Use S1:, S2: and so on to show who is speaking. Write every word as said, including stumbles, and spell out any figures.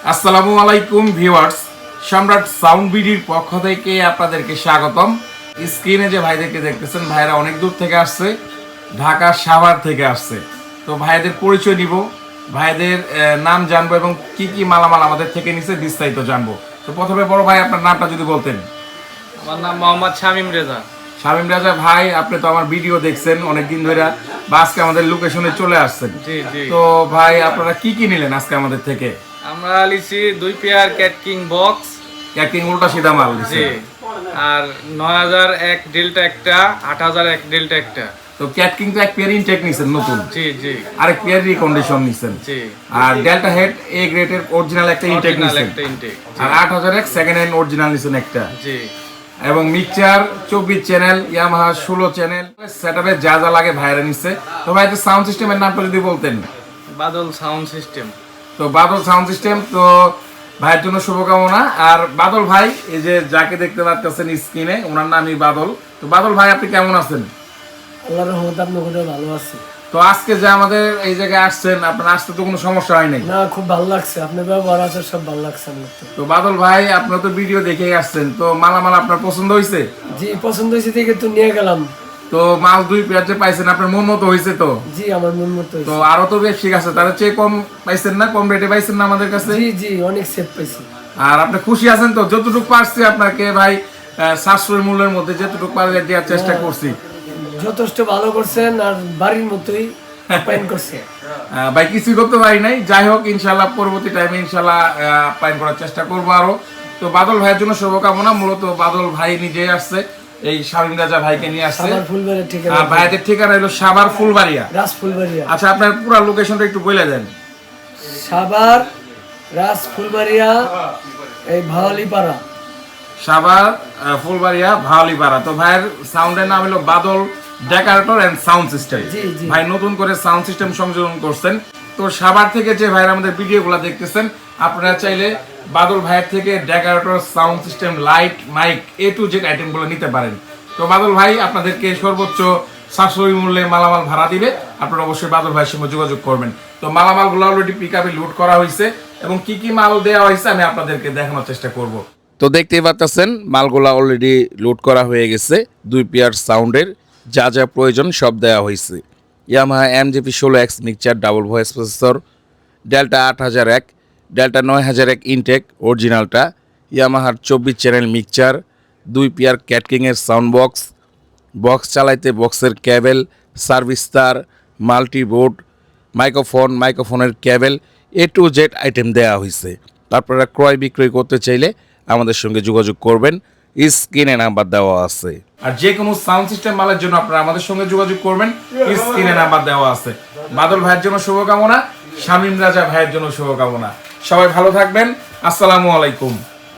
S1: আসসালামু আলাইকুম ভিউয়ার্স, সম্রাট সাউন্ড বিডির পক্ষ থেকে আপনাদেরকে স্বাগতম। স্ক্রিনে যে ভাইদেরকে দেখতেছেন, ভাইরা অনেক দূর থেকে আসছে, ঢাকা সাভার থেকে আসছে। তো ভাইদের পরিচয় নিব, ভাইদের নাম জানবো এবং কি কি মালামাল আমাদের থেকে নিছে বিস্তারিত জানবো। তো প্রথমে বড় ভাই আপনার নামটা যদি বলতেন।
S2: আমার নাম মোহাম্মদ শামীম রেজা।
S1: শামীম রাজা ভাই, আপনি তো আমার ভিডিও দেখছেন অনেকদিন ধরে, বা আজকে আমাদের লোকেশনে চলে আসছেন।
S2: জি জি।
S1: তো ভাই আপনারা কি কি নিলেন আজকে আমাদের থেকে?
S2: আমরা লিছি দুই pair cat king box.
S1: Cat king উল্টা সিধা মাল দিছে।
S2: জি। আর নয় হাজার এক ডেল্টা একটা, আট হাজার এক ডেল্টা একটা।
S1: তো ক্যাট কিং তো এক পেয়ার ইনটেক নিছেন নতুন।
S2: জি জি।
S1: আরেক পেয়ার রিকন্ডিশন নিছেন।
S2: জি।
S1: আর ডেল্টা হেড এ গ্রেডের অরিজিনাল একটা ইনটেক
S2: অরিজিনাল
S1: নিছেন।
S2: একটা ইনটেক।
S1: আর আট হাজার এক সেকেন্ড হ্যান্ড অরিজিনাল নিছেন একটা।
S2: জি।
S1: এবং মিক্সচার চব্বিশ চ্যানেল, ইয়ামাহা ষোলো চ্যানেল, সেটআপে যা যা লাগে ভাইরা নিচ্ছে। তো ভাই সাউন্ড সিস্টেমের নামটা যদি বলতেন।
S2: Badal sound system.
S1: তো বাদল সাউন্ড সিস্টেম, তো ভাইয়ের জন্য শুভকামনা। আর বাদল ভাই, এই যে যাকে দেখতে পাচ্ছেন স্ক্রিনে, ওনার নামই বাদল। তো বাদল ভাই, আপনি কেমন আছেন?
S3: আল্লাহর রহমতে আপনাদের ভালো আছি।
S1: তো আজকে যে আমাদের এই জায়গায় আসছেন, আপনার আসতে তো কোনো সমস্যা হয় নাই?
S3: না, খুব ভালো লাগছে, আপনার ব্যবহার আছে সব ভালো লাগছে আমার তো।
S1: তো বাদল ভাই, আপনার তো ভিডিও দেখেই আসছেন, তো মালামাল আপনার পছন্দ হয়েছে?
S3: জি, পছন্দ হয়েছে দেখে তো নিয়ে গেলাম।
S1: তো মাল দুই পেয়ার যে পাইছেন, আপনার মন মতো হয়েছে? তো
S3: জি, আমার মন মতো
S1: তো
S3: হয়েছে।
S1: আরো তো ব্যবসায়িক আছে, তার চেয়ে কম পাইছেন না? কম রেটে পাইছেন না আমাদের কাছে?
S3: জি জি, অনেক সেফ পাইছি।
S1: আর আপনি খুশি আছেন তো? যতটুকু পারছি আপনাকে ভাই সাশ্রয় মূল্যের মধ্যে যেটুকু পারলে দেওয়ার চেষ্টা করছি।
S3: যথেষ্ট ভালো করছেন, আর বাড়ির মতোই আপ্যায়ন করছে।
S1: ভাই কিছুই করতে পারি নাই, যাই হোক ইনশাল্লাহ পরবর্তী টাইমে ইনশাল্লাহ আপ্যায়ন করার চেষ্টা করবো আরো। তো বাদল ভাইয়ের জন্য শুভকামনা। মূলত বাদল ভাই নিজে আসছে, এই শামীম রাজা ভাইকে নিয়ে আসছে।
S3: সাভার ফুলবাড়ির ঠিকানা।
S1: আর ভাইদের ঠিকানা হলো সাভার ফুলবাড়িয়া।
S3: রাজ ফুলবাড়িয়া।
S1: আচ্ছা, আপনার পুরো লোকেশনটা একটু বলে দেন।
S3: সাভার রাজ ফুলবাড়িয়া, এই ভাওয়ালিপাড়া।
S1: সাভার ফুলবাড়িয়া ভাওয়ালিপাড়া। তো ভাইয়ের সাউন্ডের নাম হলো Badal decorator and sound system.
S3: জি জি।
S1: ভাই নতুন করে সাউন্ড সিস্টেম সংযোজন করছেন। তো সাভার থেকে যে ভাইরা আমাদের ভিডিওগুলো দেখতেছেন, আপনারা চাইলে বাদল ভাইয়ের থেকে decorator, sound system, light, mic, A to Z আইটেমগুলো নিতে পারেন। তো বাদল ভাই আপনাদেরকে সর্বোচ্চ সাশ্রয়ী মূল্যে মালামাল ভাড়া দিবে, আপনারা অবশ্যই বাদল ভাইয়ের সঙ্গে যোগাযোগ করবেন। তো মালামালগুলো অলরেডি পিক আপে লোড করা হয়েছে এবং কি কি মাল দেওয়া হয়েছে আমি আপনাদেরকে দেখানোর চেষ্টা করব। তো দেখতেই পাচ্ছেন মালগুলা অলরেডি লোড করা হয়ে গেছে। দুই পেয়ার সাউন্ডের যা যা প্রয়োজন সব দেওয়া হয়েছে। ইয়ামাহা এম জি পি ষোলো X mixture, double voice processor, Delta আট হাজার এক, ডেল্টা নয় হাজার এক ইনটেক অরিজিনালটা, ইয়ামাহার চব্বিশ চ্যানেল মিক্সচার, দুই পেয়ার ক্যাটকিংয়ের সাউন্ড বক্স, বক্স চালাইতে বক্সের ক্যাবেল, সার্ভিস তার, মাল্টিবোর্ড, মাইক্রোফোন, মাইক্রোফোনের cable, A to Z item দেওয়া হয়েছে। আপনারা ক্রয় বিক্রয় করতে চাইলে আমাদের সঙ্গে যোগাযোগ করবেন, স্ক্রিনে নাম্বার দেওয়া আছে। আর যে কোনো সাউন্ড সিস্টেম মালের জন্য আপনারা আমাদের সঙ্গে যোগাযোগ করবেন, স্ক্রিনে নাম্বার দেওয়া আছে। বাদল ভাইয়ের জন্য শুভকামনা, শামীম রাজা ভাইয়ের জন্য শুভকামনা। সবাই ভালো থাকবেন। আসসালামু আলাইকুম।